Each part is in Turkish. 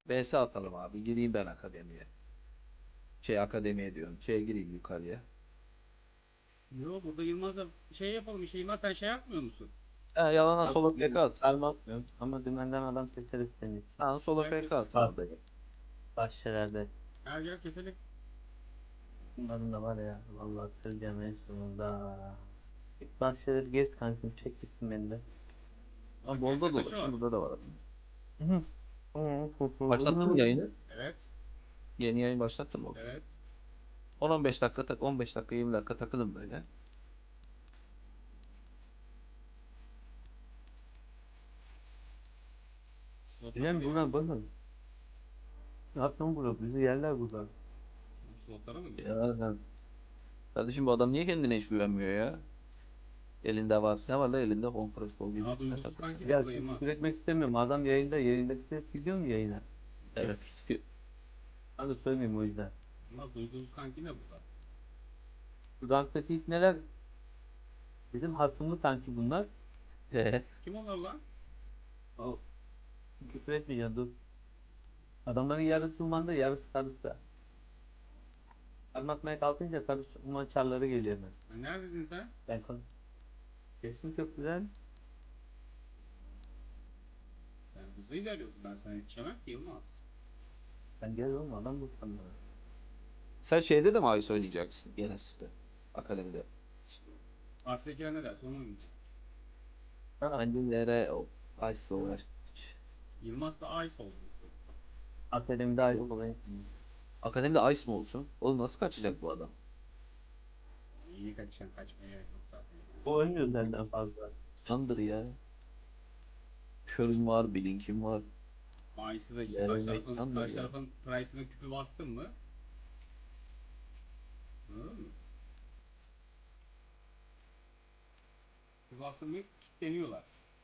BS atalım abi. Gireyim ben akademiye. Akademiye diyorum. Gireyim yukarıya. Yo, burada Yılmaz'la şey yapalım işte. Yılmaz, sen şey yapmıyor musun? Yalana solo PK Yapmıyorum, at. sarma atmıyorum ama dümenden adam keseriz senin için. Lan solo Gel PK keselim. at Bak, abi. bahçelerde. Gel gel keselim. Bunların da var ya, vallahi söyleyeceğim en sonunda. İlk bahçeleri gez kankim, çek gitsin beni de. Lan Burada bolda kaçı var? dolaşın. Burada da var. Hı. Başlattın mı yayını? Evet. Yeni yayın başlattın mı? Evet. 10-15 dakika 15 dakika 20 dakika takılın böyle. Bilmem bunlar bakın. Ne yaptın burada? Bizi yerler burada. Slotlara mı gidiyor? Ya kardeşim bu adam niye kendine hiç güvenmiyor ya? Elinde var. Ne var la elinde? Home Pro gibi. Aa, Ne duygusuz takıyor? kanki de Ya burada şimdi Yılmaz. küfür etmek istemiyorum. Adam yayında, yayındaki ses gidiyor mu yayına? Evet. Ben de söylemeyeyim o yüzden. Yılmaz, duygusuz kanki de burada. Şu ranktaki ipneler bizim hasımlı kanki bunlar. Kim onlar lan? O küfür etmeyeceğim, dur. Adamların yarısı umanda, yarısı karısı. Anlatmaya kalkınca karış uman çarları geliyor hemen. Neredesin sen? Ben konu. Kesin çok güzel. Sen hızlı ilerliyorsun. Ben sana yetişemem ki Yılmaz. Ben gel oğlum, adam bu sanırım. Sen şeyde de mi Ayus oynayacaksın? Gene sizde. Akademide. Partidekiler ne derse onu oynayacak. Annelere o Ayus'la uğraş. Yılmaz da Ice oldu. Akademide ayrı olayım. Akademide Ayus mu olsun? Oğlum nasıl kaçacak bu adam? İyi kaçacaksın, kaçmaya gerek yok zaten. O oynuyor senden fazla. Sandır ya. Körün var, Blink'in var. Ice'ı da işte Yerine sandır karşı ya. tarafın price'ına küpü bastın mı? Anladın mı? Küpü bastın mı kilitleniyorlar.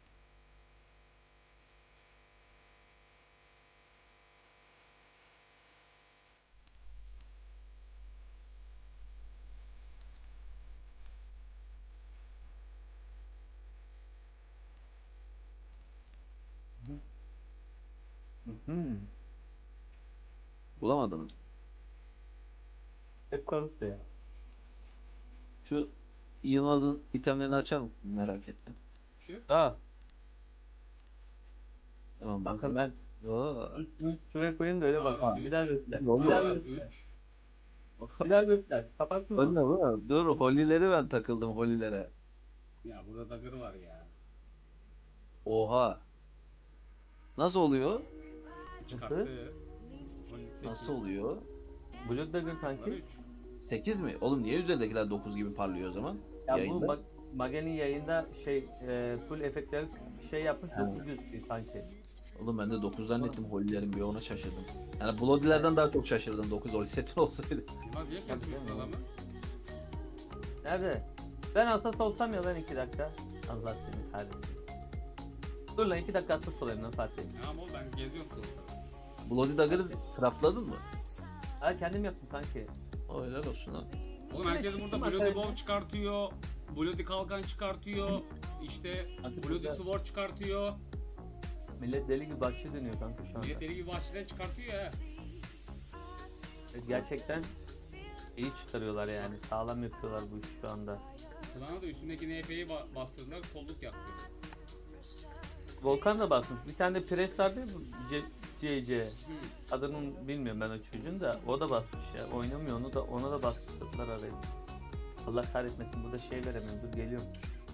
Hı. Bulamadın mı? Hep karısı ya. Şu Yılmaz'ın itemlerini açar mısın? Merak ettim. Şu Ha, Tamam bakın bakın. ben Oo. üstünü şuraya koyayım da öyle bak. Bir daha göster. Ne oluyor? Bir daha göster. Bir daha göster. Kapattın mı? Önüne bu. Dur holileri ben takıldım holilere. Ya burada dagger var ya. Oha. Nasıl oluyor? Çıkarttı. 18. Nasıl oluyor? Blue Dagger Var kanki. 3. 8 mi? Oğlum niye üzerindekiler 9 gibi parlıyor o zaman? Ya bu Yayında. Magen'in yayında full efektleri şey yapmış, Ha. 900 kanki. Oğlum ben de 9 zannettim holilerin bir ona şaşırdım. Yani Bloody'lerden daha çok şaşırdım 9 holi seti olsaydı. Yılmaz niye kesmiyorsun adamı? Nerede? Ben asas olsam ya lan 2 dakika. Allah seni kahretsin. Dur lan 2 dakika asas olayım lan Fatih. Tamam oğlum, ben geziyorum slotları. Bloody Dagger'ı craftladın mı? Ha, kendim yaptım kanki. O helal olsun ha. Oğlum herkes burada Bloody Bow çıkartıyor. Bloody Kalkan çıkartıyor. İşte Bloody Sword çıkartıyor. Millet deli gibi bahçe dönüyor kanka şu anda. Millet deli gibi bahçeden çıkartıyor ya. Gerçekten iyi çıkarıyorlar yani. Sağlam yapıyorlar bu işi şu anda. Klana da üstündeki NP'yi bastırdılar, kolluk yaktı. Volkan da basmış. Bir tane de pres vardı ya bu CC. Hı. Adını bilmiyorum ben o çocuğun da. O da basmış ya. Oynamıyor, onu da ona da bastırdılar arayı. Allah kahretmesin, burada şey veremem. Dur geliyorum.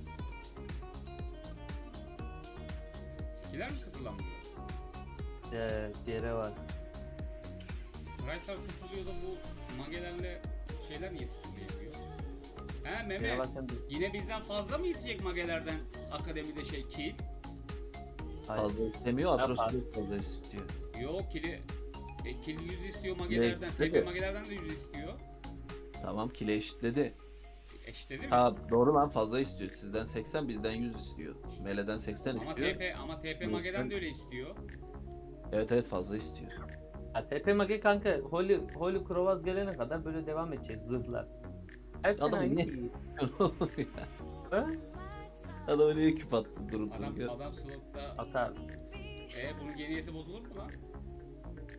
Skiller mi sıfırlanmıyor? Diğeri var. Price'lar sıfırlıyor da bu magelerle şeyler niye sıfırlayamıyor? He Diğeri Mehmet, varken de... yine bizden fazla mı isteyecek magelerden akademide kill? Hayır. Fazla istemiyor, Ya Atrocity fazla istiyor. Yok kill 100 istiyor magelerden, Ne? TP magelerden de 100 istiyor. Tamam kile eşitledi. Eşitledi mi? Ha doğru lan fazla istiyor. Sizden 80 bizden 100 istiyor. Mele'den 80 Ama istiyor. TP mageden de öyle istiyor. Evet fazla istiyor. Ha, TP Mage kanka Holy Krovaz gelene kadar böyle devam edecek zırhlar. Her sene Adam aynı ne? şey. Ya. Ha? Adamı niye küp attı durup Adam dururken? slotta. Atar. Bunun geniyesi bozulur mu lan?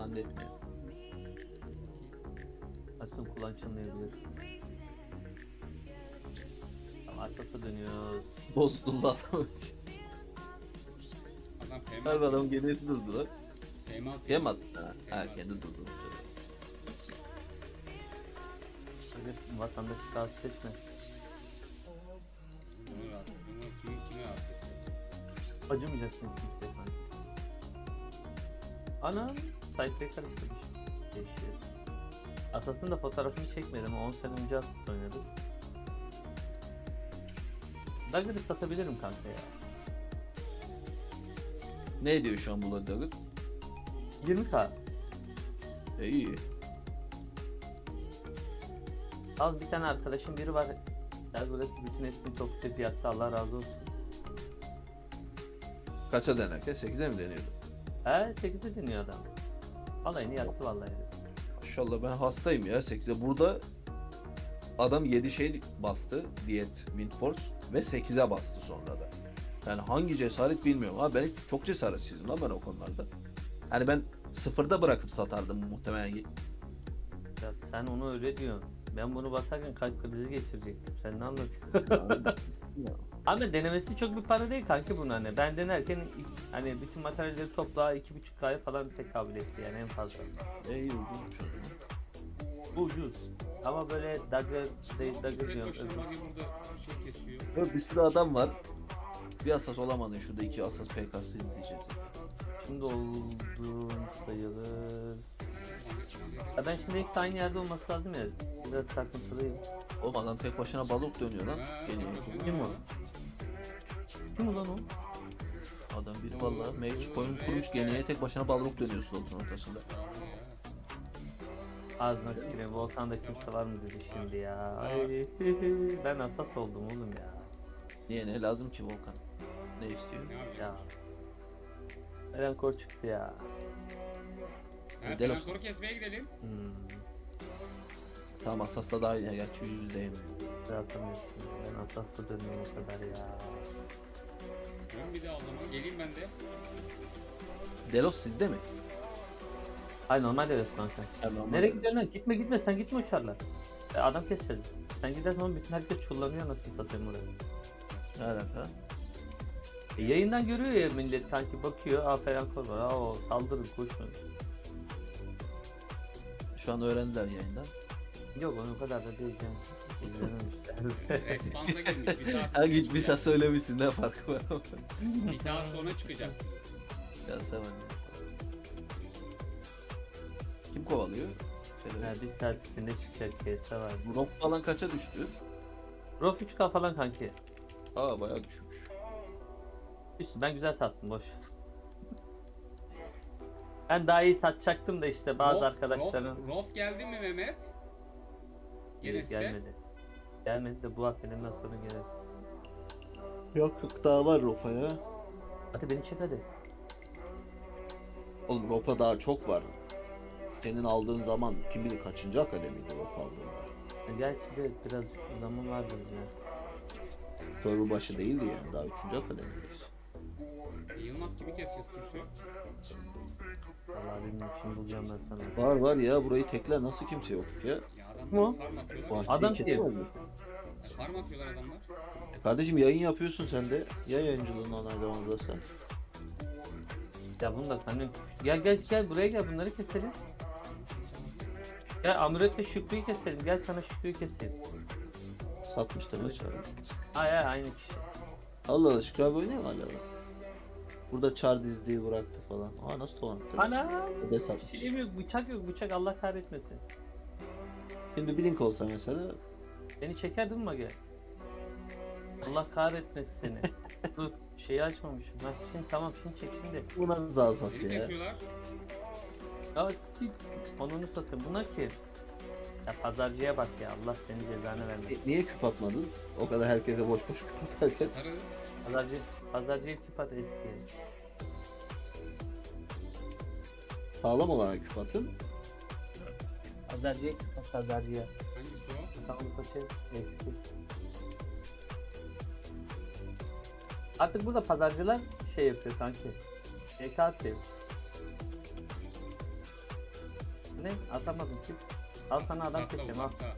zannetmiyorum. Nasıl kulağın çınlayabilir? Tamam, arkası dönüyoruz. Bozuldu adam. Adam Harbi adam genesi durdu lan. Peymal Kim attı? Ha, kendi durdu. Hadi vatandaşı rahatsız etme. Bunu rahatsız. Bunu kime rahatsız etti? Acımayacaksın kimseye kanka. Anam, sayfayı karıştırmış. Değişiyor. Asas'ın da fotoğrafını çekmedim. 10 sene önce Asas oynadık. Dagger'ı satabilirim kanka ya. Ne diyor şu an Blood Dagger? 20k. İyi. Al, bir tane arkadaşım biri var. Gel burası bütün hepsini çok güzel fiyatta, Allah razı olsun. Kaça denerken? 8'e mi deniyordu? 8'e deniyor adam. Alayını yaktı vallahi. Maşallah ben hastayım ya 8'e. Burada adam 7 şey bastı. Diyet, Windforce ve 8'e bastı sonra da. Yani hangi cesaret bilmiyorum. Abi ben çok cesaretsizim lan ben o konularda. Yani ben sıfırda bırakıp satardım muhtemelen. Ya sen onu öyle diyorsun. Ben bunu basarken kalp krizi geçirecektim. Sen ne anlatıyorsun? Ama denemesi çok bir para değil kanki bunun hani. Ben denerken hani bütün materyalleri topla 2,5K'ya falan tekabül etti yani en fazla. İyi ucuzmuş o zaman. Bu ucuz. Ama böyle Dagger Tek diyorum. başına bagi burada şey kesiyor. Ya bir sürü adam var. Bir asas olamadın şurada 2 asas PK'sı izleyeceğiz. Şimdi oldum sayılır. Ya ben şimdi ilk aynı yerde olması lazım ya. Biraz takıntılıyım. Oğlum adam tek başına balık dönüyor lan. Geliyor. Kim o? Kim ulan o? Adam biri valla mage koyun kurmuş geniye tek başına balık dönüyor slotun ortasında. Ağzına tüküreyim. Volkan'da kimse var mı dedi şimdi ya. Ay, ben asas oldum oğlum ya. Niye ne lazım ki Volkan? Ne istiyor? Ne yapacak? Ya. Eren kor çıktı ya. Ha, Delos. Frankor'u kesmeye gidelim. Tamam asasla daha iyi. Gerçi %100'deyim. Atamıyorsun. Ben asasla dönüyorum o kadar ya. Ben bir daha o zaman. Geleyim ben de. Delos sizde mi? Ay normalde evet kanka. Nereye gidiyorsun lan? Gitme sen gitme uçarlar. Adam keseceğiz. Sen gidersen oğlum bütün herkes çullanıyor nasıl satayım buraya. Ne alaka? Yayından görüyor ya millet kanki bakıyor. Aferin kor var. O saldırın koşun. Şu an öğrendiler yayından. Yok onu o kadar da değil canım. İzlememişler. Respawn'a girmiş. Bir saat Ha gitmiş ha söylemişsin ne farkı var ama. Bir saat sonra çıkacak. Ya sen anne. Kim kovalıyor? Ha, bir saat içinde çıkacak kese var. Rock falan kaça düştü? Rof 3K falan kanki. Aa bayağı düşmüş. Üstü ben güzel sattım boş. Ben daha iyi satacaktım da işte bazı arkadaşların Rof geldi mi Mehmet? Gelirse. Gelmedi de bu haftadan sonra gelir. Yok daha var Rofa ya. Hadi beni çek hadi. Oğlum Rofa daha çok var. Senin aldığın zaman kim bilir kaçıncı akademiydi Rofa aldığında. Gerçi de biraz zaman vardır ya. Server başı değildi yani daha 3. akademideyiz. Yılmaz kimi keseceğiz kimse yok. Vallahi bilmiyorum şimdi bulacağım ben sana. Var ya burayı tekler nasıl kimse yok ya. Ya Mu? adamlar farm atıyorlar. Adam Kim? kim? Farm atıyorlar adamlar. Kardeşim yayın yapıyorsun sen de. Ya yayıncılığını onaylamazlarsa. Ya bunu da sen gel buraya gel bunları keselim. Gel Amuret'le Şükrü'yü keselim. Gel sana Şükrü'yü keseyim. Satmıştır maç abi. Ay aynı kişi. Allah Allah Şükrü abi oynuyor mu hala? Burada çar dizdiği bıraktı falan. Aa nasıl tonattı? Ana! O da satmış. Şeyim yok bıçak Allah kahretmesin. Şimdi bir link olsa mesela. Beni çekerdin mi Mage? Allah kahretmesin seni. Dur şeyi açmamışım. Ha şimdi tamam şimdi çek şimdi. Bu nasıl asas Beni ya? kesiyorlar. Ya sik. Onunu satın. Buna ki. Ya pazarcıya bak ya. Allah senin cezanı vermesin. Niye küp atmadın? O kadar herkese boş boş küp atarken. Atarız. Pazarcıya küp at eski. Sağlam olarak küp atın. Pazarcıya küp at pazarcıya. Hangisi o? Sağlık paşa eski. Artık burada pazarcılar şey yapıyor kanki. EK atıyor. Ne? Atamadım ki. Al sana adam Uzakta keseceğim al. uzakta.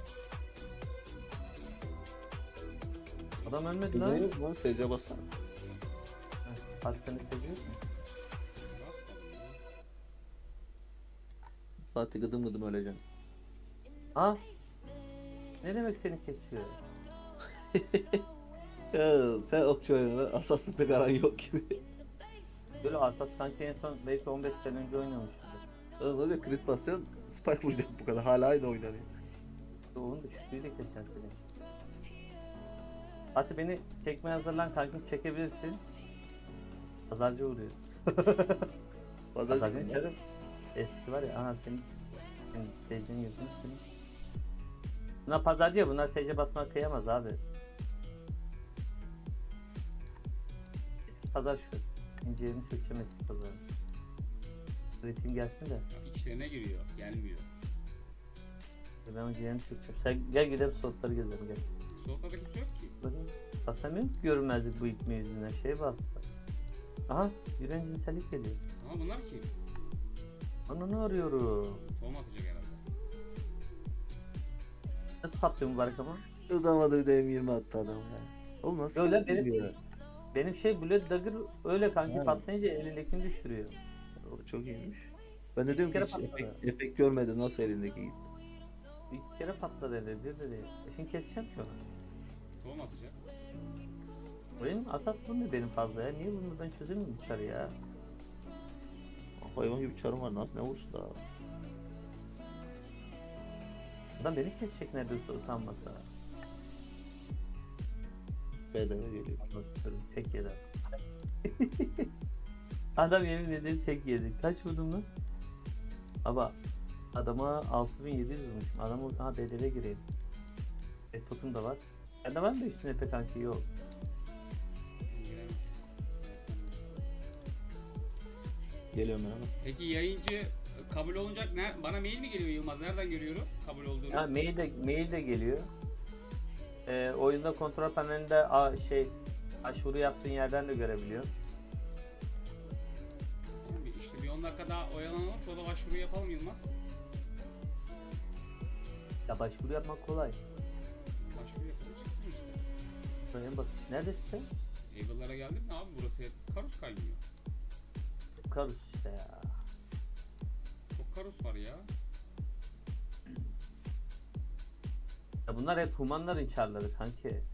Adam ölmedi Ne lan. yok lan SC bassana. Bak seni seviyorsun. Nasıl kaldı ya? Fatih gıdım gıdım öleceksin. Ah. Ne demek seni kesiyor? Ya sen okçu oyununa asaslı pek aran yok gibi. Böyle Asas kanki en son belki 15 sene önce oynamıştı. Lan öyle crit basıyorsun, spike vuracaksın bu kadar. Hala aynı oynanıyor. Onun düşüklüğüyle keseceğim seni. Hadi beni çekmeye hazırlan kankim çekebilirsin. Pazarcı vuruyor. Pazarcı Pazarcı mı? çarım. Eski var ya aha senin seyircinin yüzünü senin. Bunlar pazarcı ya bunlar seyirci basmak kıyamaz abi. Eski pazar şu. İncilerini sökeceğim eski pazar. Üretim gelsin de. İçlerine giriyor. Gelmiyor. Ben o ciğerini sökeceğim. Sen gel gidelim soğukları gezelim gel. Soğuklarda kimse yok ki. Basamıyorum ki görünmezlik bu itme yüzünden şey bastı. Aha yüreğin cinsellik geliyor. Ama bunlar kim? Ananı arıyorum. Tohum atacak herhalde. Nasıl patlıyor mübarek ama? Yıldamadı DM20 attı adam ya. Oğlum nasıl Öyle nasıl benim- gidiyor? Benim şey Blood Dagger öyle kanki Ha. patlayınca elindekini düşürüyor. O çok iyiymiş. Ben de diyorum ki kere hiç patladı. efekt görmedim nasıl elindeki gitti. Bir kere patladı elde bir de değil. Şimdi keseceğim ki onu. Tohum atacak. Benim asas bu ne benim fazla ya? Niye bunu ben çözemiyorum dışarı ya? Hayvan gibi çarım var nasıl ne vursun daha. Adam beni kesecek neredeyse utanmasa. Bedava geliyor. Anlatıyorum tek yedi. Adam yemin ederim tek yedi. Kaç vurdum lan? Ama adama 6700 vurmuşum. Adam orada ha bedeve gireyim. Totum da var. Bende var mı üstüne pek kanki yok. Giremez. Geliyorum ben ama. Peki yayıncı kabul olunacak ne? Bana mail mi geliyor Yılmaz? Nereden görüyorum kabul olduğunu? Ha mail de geliyor. Oyunda kontrol panelinde başvuru yaptığın yerden de görebiliyor. Tamam, İşte bir 10 dakika daha oyalanalım sonra başvuru yapalım Yılmaz. Ya başvuru yapmak kolay. Başvuru yapalım çıksın işte. En basit. Neredesin sen? Evil'lara geldim de abi burası hep karus kaynıyor. Karus işte ya. Çok karus var ya. Ya bunlar hep humanların çarları kanki. Ya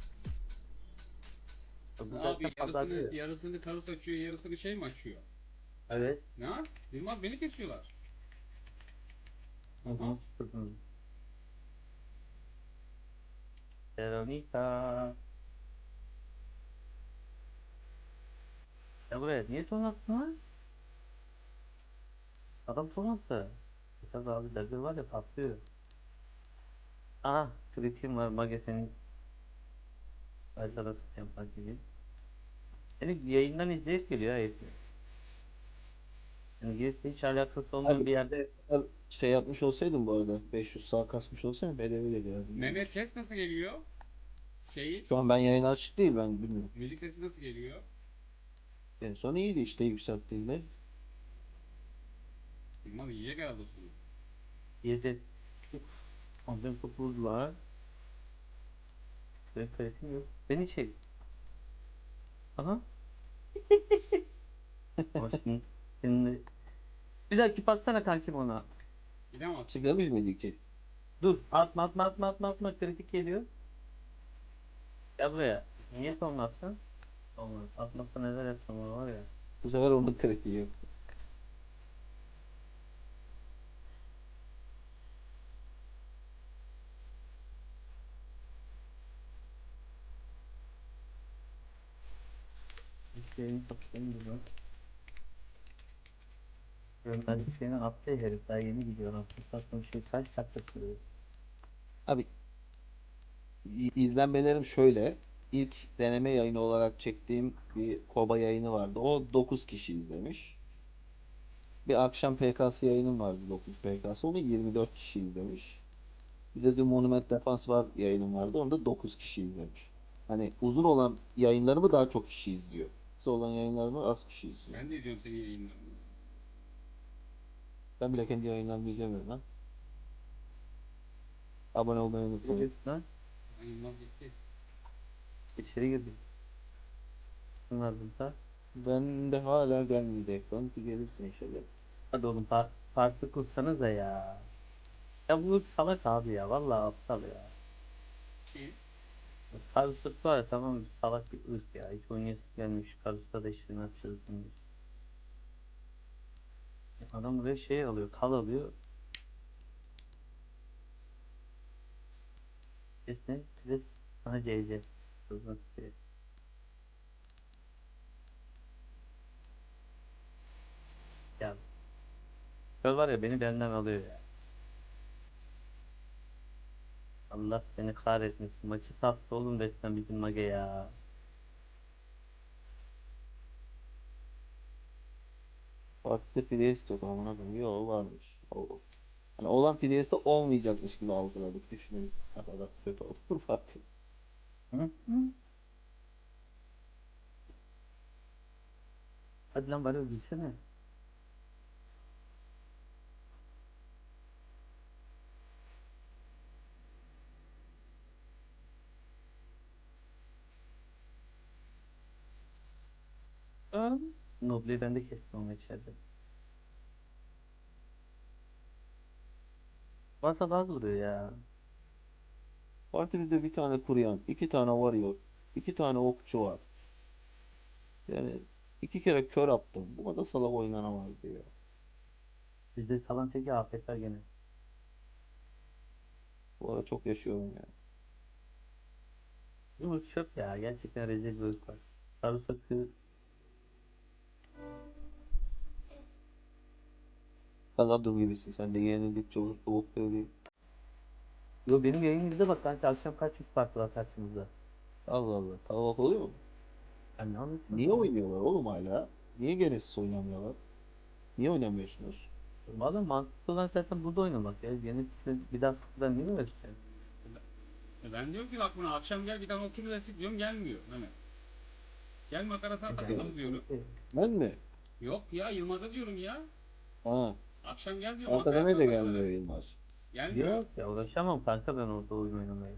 bu Abi zaten pazarcı. yarısını karus açıyor yarısını şey mi açıyor? Evet. Ne? Yılmaz beni kesiyorlar. Hı hı. Hı hı. Veronica. Ya buraya niye ton attın lan? Adam ton attı. Tabi abi dagger var ya patlıyor. Aha kritiğim var Magese'nin haritada yapmak gibi. Yani yayından izleyip geliyor ha hepsi. Yani girişte hiç alakası olmayan bir yerde Şey yapmış olsaydım bu arada 500 sağ kasmış olsaydım bedava geliyor. Mehmet ses nasıl geliyor? Şeyi, Şu an ben yayın açık değil ben bilmiyorum. müzik sesi nasıl geliyor? En son iyiydi işte yükselttiğinde. Yılmaz yiyecek herhalde bunu. yedi. Ondan topuz var. Benim kritiğim yok. Beni çek. Aha. Ama şimdi bir dakika bassana kankim ona. Bir de mi atacak? Çıkmış mıydı ki? Dur atma kritik geliyor. Gel buraya. Niye son attın? Olmaz. Atmazsa neler yapsam ona var ya. Bu sefer onun kritiği yok. Şeyini satayım gibi. Görmezlik şeyini attı ya herif daha yeni gidiyor. Aslında sattığım şey kaç dakika sürüyor. Abi izlenmelerim şöyle. İlk deneme yayını olarak çektiğim bir Koba yayını vardı. O 9 kişi izlemiş. Bir akşam PKS yayınım vardı 9 PKS. Onu 24 kişi izlemiş. Bir de dün Monument Defense var yayınım vardı. Onu da 9 kişi izlemiş. Hani uzun olan yayınlarımı daha çok kişi izliyor. Kısa olan yayınlarımı az kişi izliyor. Ben de izliyorum senin yayınlarını. Ben bile kendi yayınlarımı izlemiyorum lan. Abone olmayı Ne unutmayın. diyorsun lan? Ben Yılmaz gitti. İçeri girdik. Bunlardan da. Ben de hala gelmedi ekran. Gelirsin inşallah. Hadi oğlum farklı kursanıza ya. Ya bu salak abi ya. Vallahi aptal ya. Kim? Karusut var ya, tamam, salak bir ırk ya. Hiç oynayası gelmiş. Karusut'a da işini açacağız diye. Adam buraya şey alıyor. Kal alıyor. Pres ne? Pres. Aha CC. Hızlı pres. Ya. Kör var ya, beni benden alıyor ya. Allah seni kahretmesin. Maçı sattı oğlum resmen bizim Mage ya. Farklı Priest yok amına koyayım. Yok varmış. O. Hani olan Priest'te olmayacakmış gibi algıladık. Düşünün. Ne kadar kötü olur Fatih. Hı? Hı? Hadi lan bari gitsene. Hı? Noble'yi ben de kestim ama içeride. Varsa az vuruyor ya. Partimizde bir tane kuruyan, iki tane varıyor, iki tane okçu var. Yani iki kere kör attım. Bu kadar salak oynanamaz diyor. Bizde salan teki afet var gene. Bu arada çok yaşıyorum ya. Bu ırk çöp ya. Gerçekten rezil bir ırk var. Sarımsaklı. Kazandım gibisin. Sen de yenildik çok soğuk değil. Yo, benim yayın bak kanka, akşam kaç yüz farklı var karşımızda. Allah Allah. Kalabalık oluyor mu? Ben ne anlatıyorum Niye ya? oynuyorlar oğlum hala? Niye Genesis oynamıyorlar? Niye oynamıyorsunuz? Valla mantıklı olan zaten burada oynamak ya. Yeni bir daha sıfırdan niye uğraşacaksın? Ben diyorum ki bak buna akşam gel bir tane okçu klasik diyorum gelmiyor Mehmet. Gel makarasına takılırız diyorum. Ben mi? Yok ya Yılmaz'a diyorum ya. Ha. Akşam gel diyorum Arkada makarasına de gelmiyor takılırız. Yılmaz. Gelmiyor. Yok ya, uğraşamam kanka ben orada oyun oynamaya.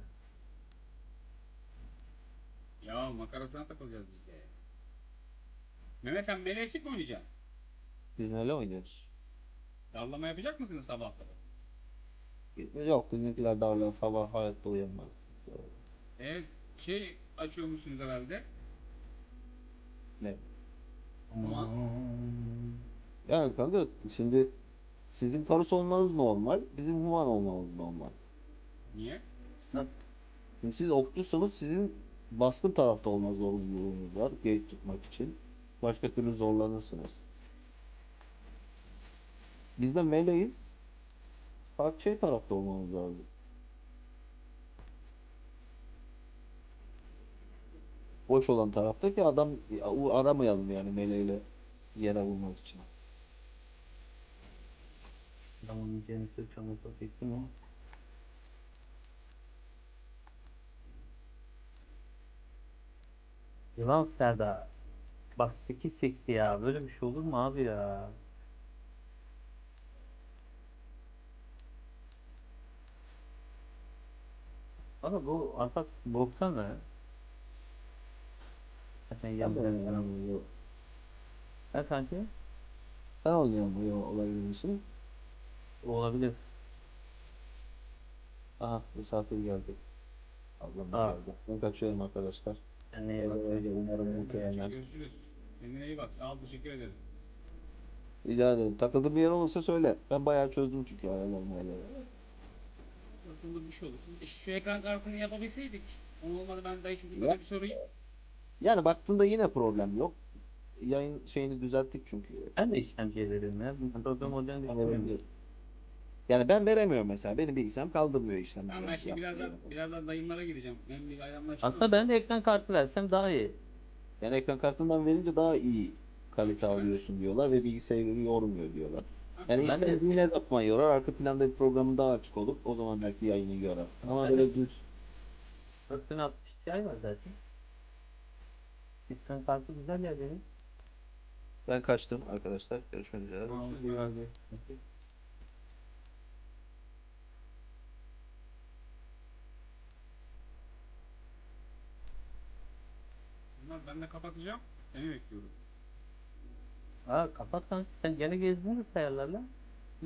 Ya makarasına takılacağız biz de. Mehmet sen mele ekip mi oynayacaksın? Biz neyle oynuyoruz? Dallama yapacak mısınız sabahları? Yok bizimkiler daha sabah hayatta uyanmaz. Evet şey açıyormuşsunuz herhalde. Ne? Ama Yani kanka şimdi sizin Karus olmanız normal, bizim Human olmamız normal. niye? Şimdi siz okçusunuz, sizin baskın tarafta olma zorunluluğunuz var gate tutmak için. Başka türlü zorlanırsınız. Biz de meleğiz. Farklı şey tarafta olmamız lazım. Boş olan tarafta ki adam aramayalım yani meleğiyle yere vurmak için. Adamın cenisi çamurda çekti mi? Yılan Serdar. Bak 8 sekti ya. Böyle bir şey olur mu abi ya? Ama bu artık boktan ne? Zaten Ben de yemden falan. yani Ha kanki? sen olacaksın bu olabilir misin? Olabilir. Aha misafir geldi. Ablam da Aa, geldi. Ben kaçıyorum arkadaşlar. kendine iyi Öyle bak. öyle umarım Mehmetciğim muhtemelen. görüşürüz. Kendine iyi bak. Sağ ol teşekkür ederim. Rica ederim. Takıldığın bir yer olursa söyle. Ben bayağı çözdüm çünkü ayarlarını öyle. Aklımda bir şey olur. Şu ekran kartını yapabilseydik. Onu olmadı ben dayı Ya, çocuklara bir sorayım. yani baktığında yine problem yok. Yayın şeyini düzelttik çünkü. Ben de işlemciye veririm ya. Bir problem olacağını Hani düşünmüyorum. yani ben veremiyorum mesela. Benim bilgisayarım kaldırmıyor Tamam ben işlemcileri şimdi yaptığım. birazdan dayımlara gideceğim. Ben bir bayramlaşayım Aslında onunla. ben de ekran kartı versem daha iyi. Yani ekran kartından verince daha iyi kalite İşte ben de. alıyorsun diyorlar ve bilgisayarı yormuyor diyorlar. Ha, Yani Ben de işlemci yine de yapman yorar. Arka planda bir programın daha açık olur. O zaman belki yayını yorar. Ama ben de böyle düz 4060 Ti var zaten. Ekran kartı güzel ya benim. ben kaçtım arkadaşlar. Görüşmek üzere. Görüşürüz. İyi Ben. abi. Tamam, ben de kapatacağım. Seni bekliyorum. Aa kapat kanka. Sen gene gezdin de sayarlar lan. Hı?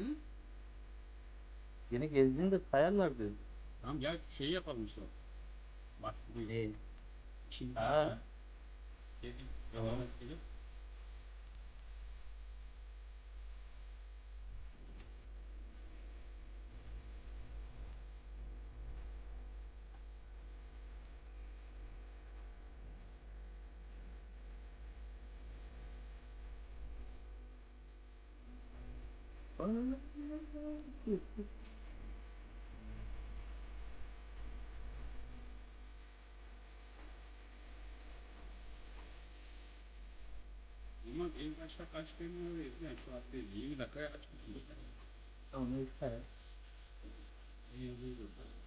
Gene gezdin de sayarlar diyor. Tamam gel şeyi yapalım işte. Bak buyur. Ne? Şimdi Ha. dedim. Devam edelim. Ama en başta kaç benim öyleydi. Yani şu an değil. 20 dakikaya açmışsın işte. Onu işte. İyi yazıyordu.